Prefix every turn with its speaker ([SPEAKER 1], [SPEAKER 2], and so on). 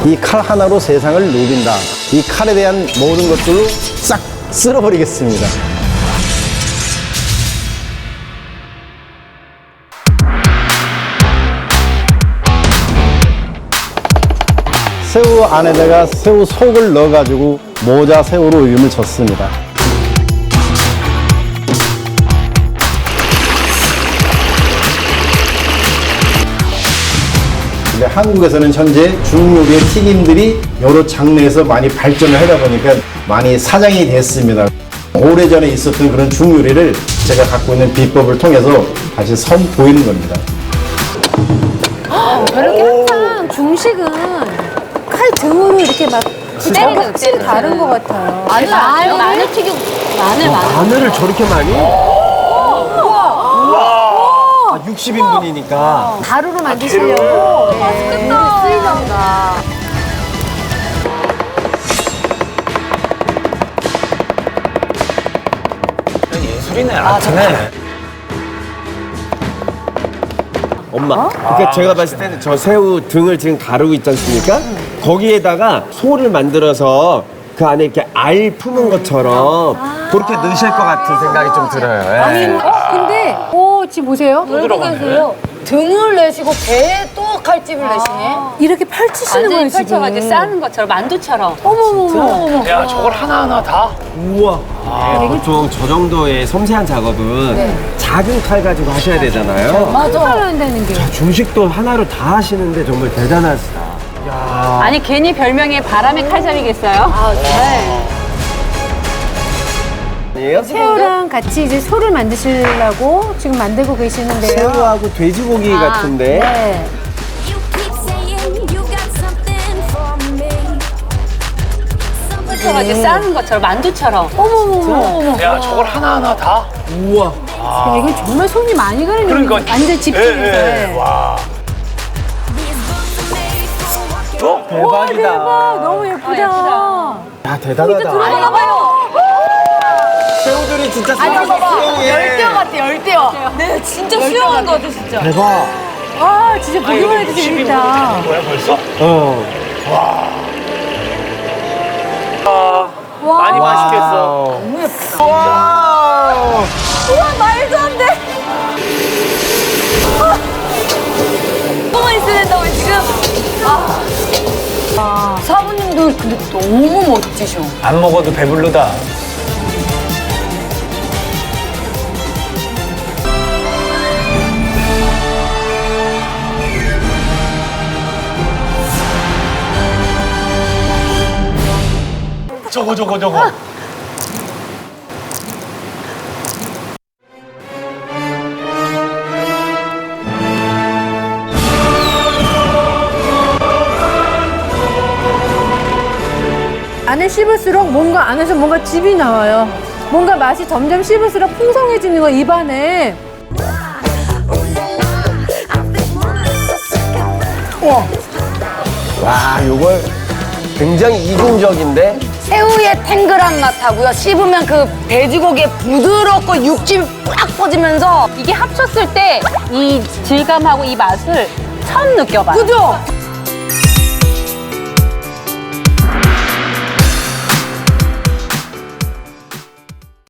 [SPEAKER 1] 이 칼 하나로 세상을 누빈다. 이 칼에 대한 모든 것들로 싹 쓸어버리겠습니다. 새우 안에다가 새우 속을 넣어가지고 모자 새우로 이름을 줬습니다. 근데 한국에서는 현재 중요리의 튀김들이 여러 장르에서 많이 발전을 하다 보니까 많이 사장이 됐습니다. 오래전에 있었던 그런 중요리를 제가 갖고 있는 비법을 통해서 다시 선보이는 겁니다.
[SPEAKER 2] 저렇게 항상 중식은 칼 등으로 이렇게 막
[SPEAKER 3] 때리는
[SPEAKER 2] 확실히 다른 것 같아요.
[SPEAKER 3] 마늘 튀김. 마늘.
[SPEAKER 4] 마늘을 저렇게 많이? 우와! 60인분이니까.
[SPEAKER 2] 가루로 만드시려고 맛있겠다. 쓰이던가.
[SPEAKER 5] 예술이네, 아트네.
[SPEAKER 4] 엄마. 그러니까 제가 봤을 때는 저 새우 등을 지금 가르고 있지 않습니까? 거기에다가 소를 만들어서 그 안에 이렇게 알 품은 것처럼 그렇게 넣으실 것 같은 생각이 좀 들어요. 예.
[SPEAKER 2] 근데 지금 보세요.
[SPEAKER 5] 들어가세요?
[SPEAKER 3] 등을 내시고 배에 또 칼집을 내시네.
[SPEAKER 2] 이렇게 펼치시는 거예요,
[SPEAKER 3] 완전히
[SPEAKER 2] 지금.
[SPEAKER 3] 펼쳐가지고 싸는 것처럼 만두처럼.
[SPEAKER 2] 어머머머.
[SPEAKER 5] 야, 저걸 하나하나 다?
[SPEAKER 4] 우와. 보통 저 정도의 섬세한 작업은 작은 칼 가지고 하셔야 되잖아요.
[SPEAKER 2] 맞아. 한다는 게.
[SPEAKER 4] 중식도 하나로 다 하시는데 정말 대단하시다.
[SPEAKER 3] 아니 괜히 별명이 바람의 칼잡이겠어요?
[SPEAKER 4] 아니에요?
[SPEAKER 2] 새우랑 같이 이제 소를 만드시려고 지금 만들고 계시는데요.
[SPEAKER 4] 새우하고 돼지고기 같은데.
[SPEAKER 2] 네.
[SPEAKER 3] 펼쳐가지고 싸는 것처럼 만두처럼.
[SPEAKER 2] 어머머머.
[SPEAKER 5] 야, 저걸 하나하나 다?
[SPEAKER 4] 우와.
[SPEAKER 2] 야, 이건 정말 손이 많이 가는
[SPEAKER 5] 그러니까.
[SPEAKER 2] 완전 집중해서.
[SPEAKER 5] 와.
[SPEAKER 4] 대박이다.
[SPEAKER 2] 대박, 너무 예쁘다.
[SPEAKER 3] 예쁘다.
[SPEAKER 4] 야, 대단하다. 새우들이 진짜 수영해.
[SPEAKER 3] 열대어 같아, 열대어. 네, 진짜 수영한 거 같아, 진짜.
[SPEAKER 4] 대박.
[SPEAKER 2] 아, 진짜 보기만 해도 재밌다.
[SPEAKER 5] 뭐야, 벌써? 많이 맛있겠어.
[SPEAKER 4] 와.
[SPEAKER 3] 우와, 말도 안 돼. 너무 있어야 된다고, 지금. 사부님도 근데 너무 멋지셔.
[SPEAKER 5] 안 먹어도 배부르다. 저거.
[SPEAKER 2] 안에 씹을수록 뭔가 안에서 뭔가 즙이 나와요. 뭔가 맛이 점점 씹을수록 풍성해지는 거 입안에.
[SPEAKER 4] 와, 요걸 굉장히 이중적인데?
[SPEAKER 3] 새우의 탱글한 맛하고요. 씹으면 그 돼지고기의 부드럽고 육즙이 꽉 퍼지면서 이게 합쳤을 때 이 질감하고 이 맛을 처음 느껴봐요. 그죠?